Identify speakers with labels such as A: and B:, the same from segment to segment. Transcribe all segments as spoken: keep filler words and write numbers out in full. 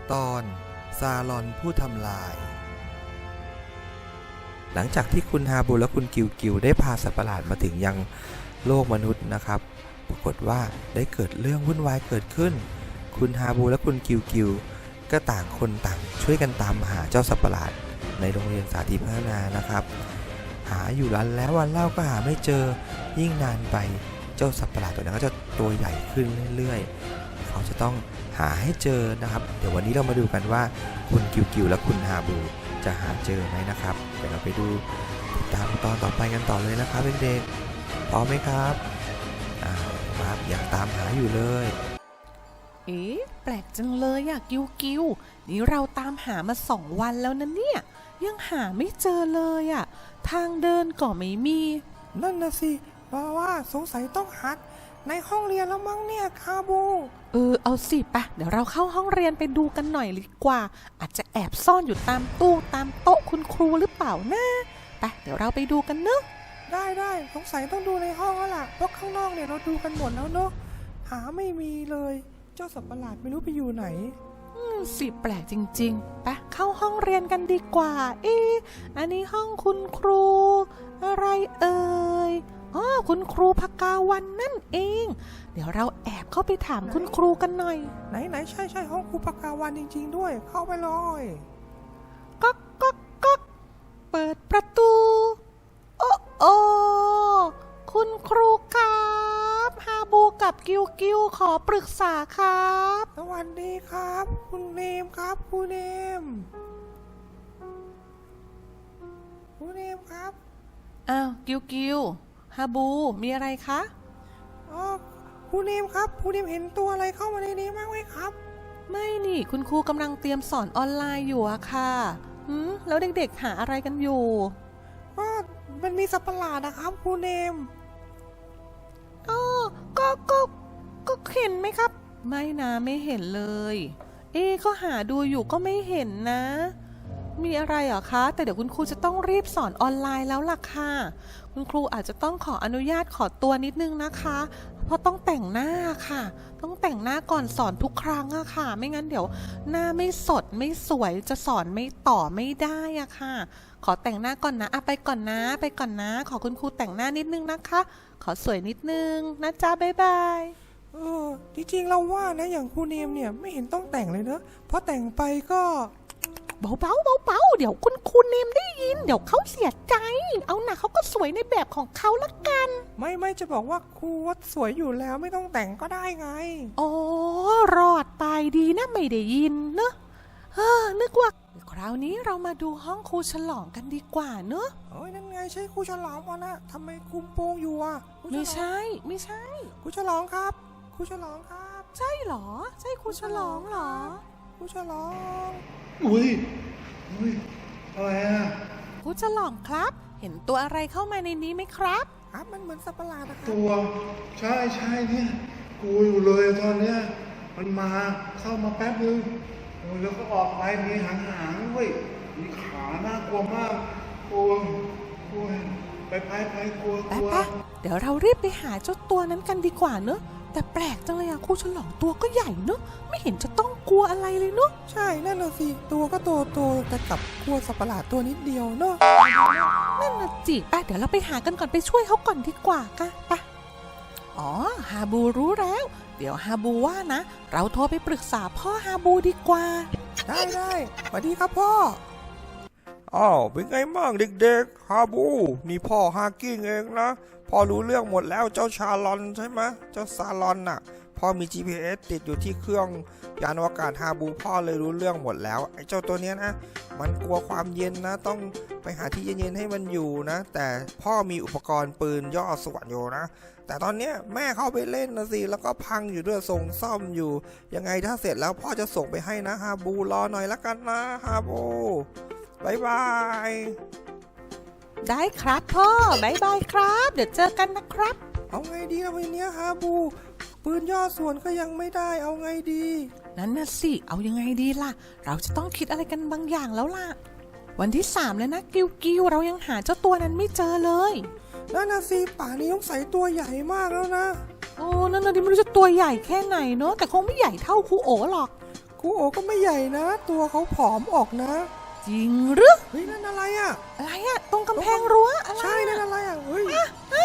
A: ตอนซาลอนผู้ทำลายหลังจากที่คุณฮาบูและคุณกิวกิวได้พาสัตว์ประหลาดมาถึงยังโลกมนุษย์นะครับปรากฏว่าได้เกิดเรื่องวุ่นวายเกิดขึ้นคุณฮาบูและคุณกิวกิวก็ต่างคนต่างช่วยกันตามหาเจ้าสัตว์ประหลาดในโรงเรียนสาธิตพัฒนานะครับหาอยู่วันแล้ววันเล่าก็หาไม่เจอยิ่งนานไปเจ้าสัตว์ประหลาดตัวนั้นก็จะตัวใหญ่ขึ้นเรื่อยๆเขาจะต้องหาให้เจอนะครับเดี๋ยววันนี้เรามาดูกันว่าคุณกิวกิวและคุณฮาบูจะหาเจอไหมนะครับเดี๋ยวเราไปดูติดตามตอนต่อไปกันต่อเลยนะครับเด็กๆพร้อมไหมครับอ่าครับอยากตามหาอยู่เลย
B: เอ๊ะแปลกจังเลยอะกิวกิวนี่เราตามหามาสองวันแล้วนะเนี่ยยังหาไม่เจอเลยอะทางเดินก็ไม่มี
C: นั่นนะสิเพราะว่าสงสัยต้องหัดในห้องเรียนแล้วมั้งเนี่ยคาบู
B: เออเอาสิปะเดี๋ยวเราเข้าห้องเรียนไปดูกันหน่อยดีกว่าอาจจะแอบซ่อนอยู่ตามตู้ตามโต๊ะคุณครูหรือเปล่านะไปเดี๋ยวเราไปดูกันเนอะ
C: ได้ได้สงสัยต้องดูในห้องแล้วล่ะเพราะข้างนอกเนี่ยเราดูกันหมดแล้วเนอะหาไม่มีเลยเจ้าสัตว์ประหลาดไม่รู้ไปอยู่ไหน
B: อืมสิแปลกจริงๆไปเข้าห้องเรียนกันดีกว่าเอ๊ะอันนี้ห้องคุณครูอะไรเอ่ยอ๋อคุณครูภกาวันนั่นเองเดี๋ยวเราแอบเข้าไปถามคุณครูกันหน่อย
C: ไหนไหนใช่ใช่ห้องครูภกาวันจริงๆด้วยเข้าไปเลย
B: ก๊อกก๊อกก๊อกเปิดประตูโอ้โอ้คุณครูครับฮาบูกับกิวกิวขอปรึกษาครับ
C: สวัสดีครับคุณเนมครับคุณเนมคุณเนมครับ
B: อ้าวกิวกิวฮาบูมีอะไรคะ
C: อ๋อคุณเนมครับคุณเนมเห็นตัวอะไรเข้ามาในนี้บ้างไหมครับ
B: ไม่นี่คุณครูกำลังเตรียมสอนออนไลน์อยู่อะค่ะหืมแล้วเด็กๆหาอะไรกันอยู่
C: ก็มันมีสัตว์ประหลาดนะครับคุณเนม
B: อ๋อก็ก็ก็เห็นไหมครับไม่นะไม่เห็นเลยเอ๊ก็หาดูอยู่ก็ไม่เห็นนะมีอะไรเหรอคะแต่เดี๋ยวคุณครูจะต้องรีบสอนออนไลน์แล้วล่ะค่ะคุณครูอาจจะต้องขออนุญาตขอตัวนิดนึงนะคะเพราะต้องแต่งหน้าค่ะต้องแต่งหน้าก่อนสอนทุกครั้งอะค่ะไม่งั้นเดี๋ยวหน้าไม่สดไม่สวยจะสอนไม่ต่อไม่ได้อะค่ะขอแต่งหน้าก่อนนะอะไปก่อนนะไปก่อนนะขอคุณครูแต่งหน้านิดนึงนะคะขอสวยนิดนึงนะจ๊ะบ๊ายบาย
C: เออจริงๆเราว่านะอย่างครูเนมเนี่ยไม่เห็นต้องแต่งเลยเนอะเพราะแต่งไปก็
B: เบาๆเบาๆเดี๋ยวคุณครูเนมได้ยินเดี๋ยวเขาเสียใจเอาหน่ะเขาก็สวยในแบบของเขาละกัน
C: ไม่ไม่จะบอกว่าครูว่าสวยอยู่แล้วไม่ต้องแต่งก็ได้ไง
B: อ๋อรอดไปดีนะไม่ได้ยินเนอะเฮ้อนึกว่าคราวนี้เรามาดูห้องครูฉลองกันดีกว่าเนอะ
C: โอ้ยนั่นไงใช่ครูฉลองวะนะทำไมคุมโปงอยู่อ่ะ
B: ไม่ใช่ไม่ใช่
C: ครูฉลองครับครูฉลองครับ
B: ใช่หรอใช่ครูฉลองหรอ
C: ครูฉลอง
D: อุ้ยอุ้ยอะไรอ่ะ
B: ครูฉลองครับเห็นตัวอะไรเข้ามาในนี้ไหมครับ
C: ครับมันเหมือนสัตว์ประหลาดนะครับ
D: ตัวใช่ใช่เนี่ยกูอยู่เลยตอนเนี้ยมันมาเข้ามาแป๊บนึงแล้วก็ออกไปมีหางหางด้วยมีขาน่ากลัวมากกลัวกลัวไปไปไปกลัวกลัว
B: เดี๋ยวเรารีบไปหาเจ้าตัวนั้นกันดีกว่าเนอะแต่แปลกจังเลยอะครูฉลองตัวก็ใหญ่เนอะไม่เห็นจะต้องกลัวอะไรเลยเนอะ
C: ใช่นั่นน่ะสิตัวก็โตโตแต่กับกลัวสัตว์ประหลาดตัวนิดเดียวเนอะ
B: นั่นน่ะจิไปเดี๋ยวเราไปหากันก่อนไปช่วยเขาก่อนดีกว่าค่ะไปอ๋อฮาบูรู้แล้วเดี๋ยวฮาบูว่านะเราโทรไปปรึกษาพ่อฮาบูดีกว่า
C: ได้ได้สวัสดีครับพ่อ
A: อ้าวเป็นไงบ้างเด็กๆฮาบูนี่พ่อฮากิ้งเองนะพ่อรู้เรื่องหมดแล้วเจ้าชาลอนใช่ไหมเจ้าซาลอนน่ะพ่อมี จี พี เอส ติดอยู่ที่เครื่องยานอวกาศฮาบูพ่อเลยรู้เรื่องหมดแล้วไอ้เจ้าตัวเนี้ยนะมันกลัวความเย็นนะต้องไปหาที่เย็นๆให้มันอยู่นะแต่พ่อมีอุปกรณ์ปืนย่อส่วนอยู่นะแต่ตอนเนี้ยแม่เข้าไปเล่นนะสิแล้วก็พังอยู่ด้วยส่งซ่อมอยู่ยังไงถ้าเสร็จแล้วพ่อจะส่งไปให้นะฮาบูรอหน่อยละกันนะฮาบูบายบาย
B: ได้ครับพ่อบายบายครับเดี๋ยวเจอกันนะครับ
C: เอาไงดีล่ะวันนี้ฮาบูปืนย่อส่วนก็ยังไม่ได้เอาไงดี
B: นั่นน่ะสิเอายังไงดีล่ะเราจะต้องคิดอะไรกันบางอย่างแล้วล่ะวันที่สามแล้วนะกิวกิวเรายังหาเจ้าตัวนั้นไม่เจอเลย
C: นั่นน่ะสิป่านี้ต้องใส่ตัวใหญ่มากแล้วนะ
B: โอ้นั่นน่ะดิไม่รู้จะตัวใหญ่แค่ไหนเนอะแต่คงไม่ใหญ่เท่าครูโอหรอก
C: คครูโอก็ไม่ใหญ่นะ ตัวเขาผอมออกนะ
B: จริงหรือ
C: เฮ้ยนั่นอะไรอ่ะ
B: อะไรอะตรงกำแพงรั้วอะไร
C: ใช่นั่นอะไรอ่ะเฮ้ย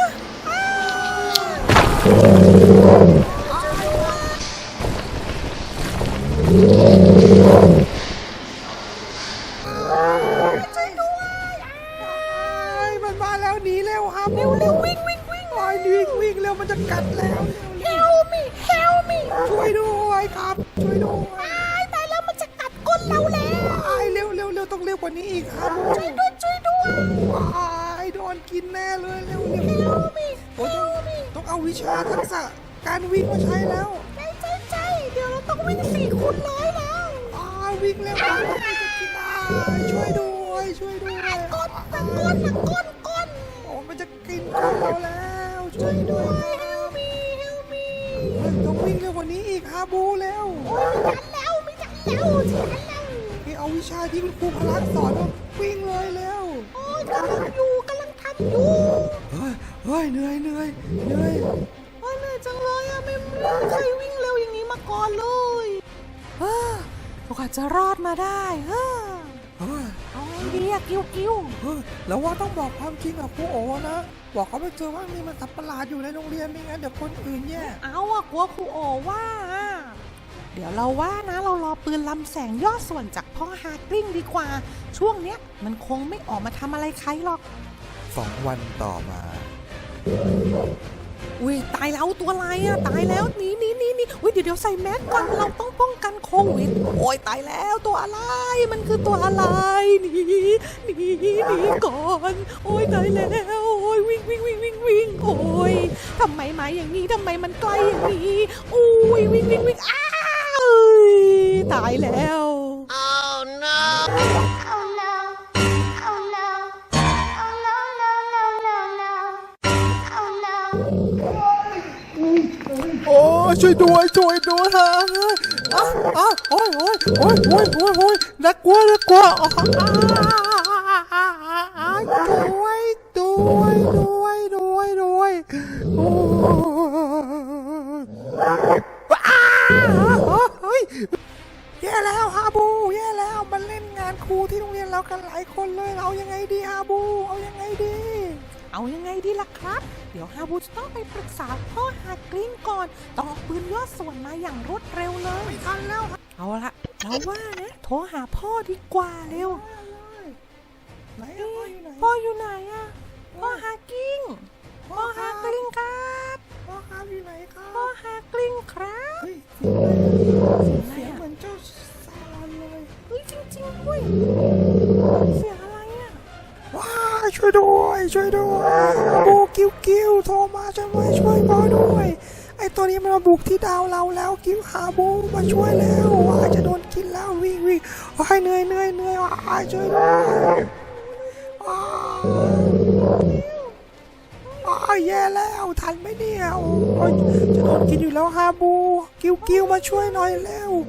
C: ไอ้มันมาแล้วหนีเร็วครับเร็วเร็ววิ่งวิ่งวิ่งวิ่งวิ่งเร็วมันจะกัดแล้ว
B: Help me Help me
C: ช่วยด้วยครับช่วยด้วย
B: ตายแล้วมันจะกัดก้นเราแล้ว
C: ไอ้เร็วเร็วเร็วต้องเร็วกว่านี้อีกครับ
B: ช่วยด้วยช่วยด้วย
C: ไอ้โดนกินแน่เลยเร็วเร็ว
B: Help me
C: โอ้ยต้องต้องเอาวิชาทักษะการวิ่งมาใช้แล้ว
B: ใจใจใจเดี๋ยวเราต้องวิ่งสี่คูณร้อยแล้ว
C: อ่าวิ่งเร็วมากจะกินได้ช่วยด้วยช่วยด้วย
B: ก้นตะก้นตะก้นก้น
C: โอ้มันจะกินก้นเราแล้วช่วยด้วย
B: Help me Help me
C: เฮ้ยต้องวิ่งเร็วกว่านี้อีกฮาบูเร็ว
B: ทันแล้วไม่ทันแล้วทันแล้ว
C: นี่เอาวิชาที่คุณครูพลักสอนมาวิ่งเลยเร็ว
B: โอ้ยกำลังอยู่กำลังทำอยู่
C: เฮ้ยเฮ้ยเหนื่อยเหนื่อยเหนื่อย
B: โอ้ยเหนื่อยจังเลยอะไม่ไม่เคยวิ่งเร็วอย่างนี้มาก่อนเลยเฮ้อเราอาจจะรอดมาได้เฮ้อ
C: เฮ้ย
B: เอาไงดีอะกิ้วกิ้ว
C: เฮ้ยแล้วว่าต้องบอกความจริงกับครูโอนะ บอกเขาไปเจอว่ามีมันสัตว์ประหลาดอยู่ในโรงเรียนไม่งั้นเดี๋ยวคนอื่นแย่
B: เอาอะกลัวครูโอว่าอะเดี๋ยวเราว่านะเรารอปืนลำแสงย่อส่วนจากพ่อฮากลิ้งดีกว่า ช่วงเนี้ยมันคงไม่ออกมาทำอะไรใครหรอก
A: สองวันต่อมา
B: อุ้ยตายแล้วตัวอะไรอะตายแล้วหนีหนีหนีหนีอุ้ยเดี๋ยวเดี๋ยวใส่แมสก่อนเราต้องป้องกันโควิดโอ้ยตายแล้วตัวอะไรมันคือตัวอะไรหนีหนีหนีก่อนโอ้ยตายแล้วโอ้ยวิ่งวิ่งวิ่งวิ่งวิ่งโอ้ยทำไมมาอย่างนี้ทำไมมันใกล้อย่างนี้อุ้ยวิ่งวิ่งวิ่งอ้าวตายแล้ว
E: Oh no! Oh no! Oh no! Oh no! No! No! No! No! Oh no!
C: โอ้ช่วยด้วยช่วยด้วยฮะอ้าวอ้าวโอ้ยโอ้ยโอ้ยโอ้ยโอ้ยโอ้ยน่ากลัวน่ากลัวอ๋อด้วยด้วยด้วยด้วยด้วยโอ้เฮ้ยแย่แล้วฮาบูแย่แล้วมันเล่นงานครูที่โรงเรียนเรากันหลายคนเลยเอายังไงดีฮาบูเอายังไงดี
B: เอายังไงดีล่ะครับ เดี๋ยวฮาบูจะต้องไปปรึกษาพ่อฮากลิ้งก่อนต้องเอาปืนย่อส่วนมาอย่างรวดเร็วเลย
C: ไม่ทันแล้ว
B: เอาละเราว่านะโทรหาพ่อดีกว่าเร็ว
C: ไหนอะพ่ออยู่ไหน
B: พ่ออยู่ไหนอะพ่อฮากิ้งพ่อฮากลิ้งครับ
C: พ่อครับอยู่ไหนครั
B: พ่อบ ฮากลิ้งครับ
C: เฮ้ยเสียงเหมือนเจ้าซาลอนเลย
B: เฮ้ยจริงๆด้วยเสียงอะไรอะ
C: ว้ายช่วยด้วยช่วยด้วยบูกิ้วกิ้วโทรมาช่วยด้วยช่วยพ่อด้วยไอตัวนี้มันมาบุกที่ดาวเราแล้วกิ้วหาบูมาช่วยแล้วว้ายจะโดนกินแล้ววิ่งวิ่งว้ายเหนื่อยเหนื่อยเหนื่อยว้ายช่วยด้วยว้ายว้ายแย่แล้วทันไหมเนี่ยโอ้ยจะโดนกินอยู่แล้วฮาบูกิ้วกิ้วมาช่วยหน่อยเร็ว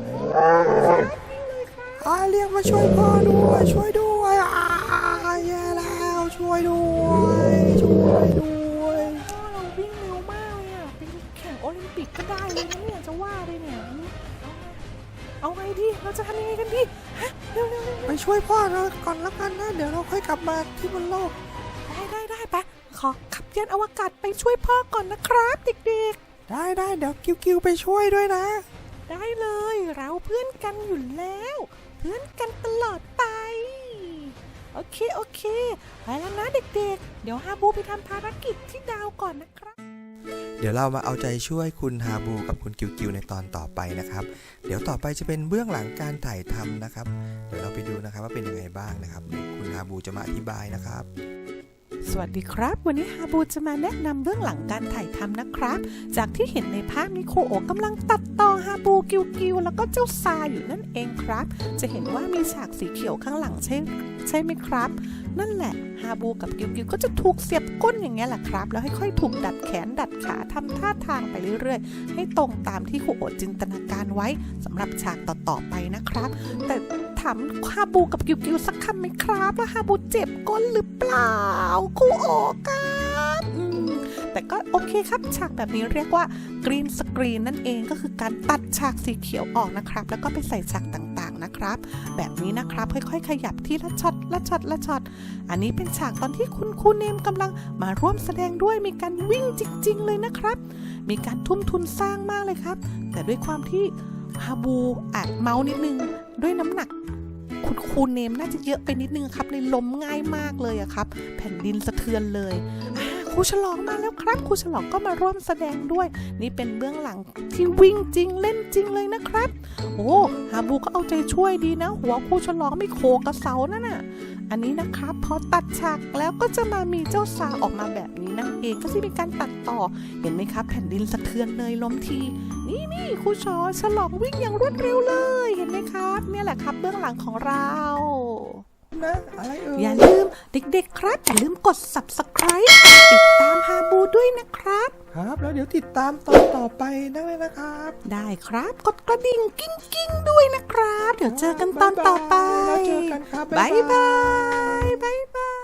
C: อาเรียกมาช่วยพ่อด้วยช่วยด้วยอ่าแย่แล้วช่วยด้วยช่วยด้วย
B: พ่อเราวิ่งเร็วมากเลยอะเป็นแข่งโอลิมปิกก็ได้เลยนะเนี่ยจะว่าเลยเนี่ยเอาไงดีเราจะทำยังไงกันดีฮะเร็วเร็วเร็ว
C: ไปช่วยพ่อเราก่อนแล้วกันนะเดี๋ยวเราค่อยกลับมาที่บนโลก
B: ได้ได้ได้ไปขอขับยานอวกาศไปช่วยพ่อก่อนนะครับเด็ก
C: ได้ได้เดี๋ยวกิ้วกิ้วไปช่วยด้วยนะ
B: ๆ ได้เลยเราเพื่อนกันอยู่แล้ว เพื่อนกันตลอดไป โอเคโอเคไปแล้วนะเด็กๆ เดี๋ยวฮาบูไปทำภารกิจที่ดาวก่อนนะครับ
A: เดี๋ยวเรามาเอาใจช่วยคุณฮาบูกับคุณกิวกิวในตอนต่อไปนะครับ เดี๋ยวต่อไปจะเป็นเบื้องหลังการถ่ายทำนะครับ เดี๋ยวเราไปดูนะครับว่าเป็นยังไงบ้างนะครับเดี๋ยวคุณฮาบูจะมาอธิบายนะครับ
B: สวัสดีครับ วันนี้ฮาบูจะมาแนะนำเบื้องหลังการถ่ายทำนะครับ จากที่เห็นในภาพนี้ครูโอกำลังตัดต่อฮาบูกิวกิวแล้วก็เจ้าซาอยู่นั่นเองครับ จะเห็นว่ามีฉากสีเขียวข้างหลังใช่ใช่ไหมครับ นั่นแหละฮาบูกับกิวกิวก็จะถูกเสียบก้นอย่างเงี้ยแหละครับ แล้วค่อยๆถูกดัดแขนดัดขาทำท่าทางไปเรื่อยๆ ให้ตรงตามที่ครูโอจินตนาการไว้สำหรับฉากต่อๆไปนะครับ แต่ถามฮาบูกับกิวกิวสักคำไหมครับว่าฮาบูเจ็บก้นหรือเปล่าครูโอครับอืมแต่ก็โอเคครับฉากแบบนี้เรียกว่ากรีนสกรีนนั่นเองก็คือการตัดฉากสีเขียวออกนะครับแล้วก็ไปใส่ฉากต่างๆนะครับแบบนี้นะครับค่อยๆขยับทีละช็อตละช็อตละช็อตอันนี้เป็นฉากตอนที่คุณครูเนมกำลังมาร่วมแสดงด้วยมีการวิ่งจริงๆเลยนะครับมีการทุ่มทุนสร้างมากเลยครับแต่ด้วยความที่ฮาบูอาจเมานิดนึงด้วยน้ำหนักคุณครูเนมน่าจะเยอะไปนิดนึงครับเลยล้มง่ายมากเลยอะครับแผ่นดินสะเทือนเลยครูฉลองมาแล้วครับครูฉลองก็มาร่วมแสดงด้วยนี่เป็นเบื้องหลังที่วิ่งจริงเล่นจริงเลยนะครับโอ้ฮาบูก็เอาใจช่วยดีนะหัวครูฉลองไม่โขกกระเสานั่นน่ะอันนี้นะครับพอตัดฉากแล้วก็จะมามีเจ้าซาออกมาแบบนี้นั่นเองก็จะมีการตัดต่อเห็นไหมครับแผ่นดินสะเทือนเลยล้มทีนี่นี่ครูชอฉลองวิ่งอย่างรวดเร็วเลยเห็นไหมครับเนี่ยแหละครับเบื้องหลังของเรา
C: นะอะไรเอ่ย
B: อย่าลืมเด็กๆครับอย่าลืมกด ซับสไครบ์ ติดตามฮาบูด้วยนะครับ
C: ครับแล้วเดี๋ยวติดตามตอนต่อไปนั่นเลยนะครับ
B: ได้ครับกดกระดิ่งกิ้งกิ้งๆด้วยนะครับ เดี๋ยวเจอกันตอนต่อไป
C: แล้วเจอกันครับ
B: บ๊ายบายบ๊ายบาย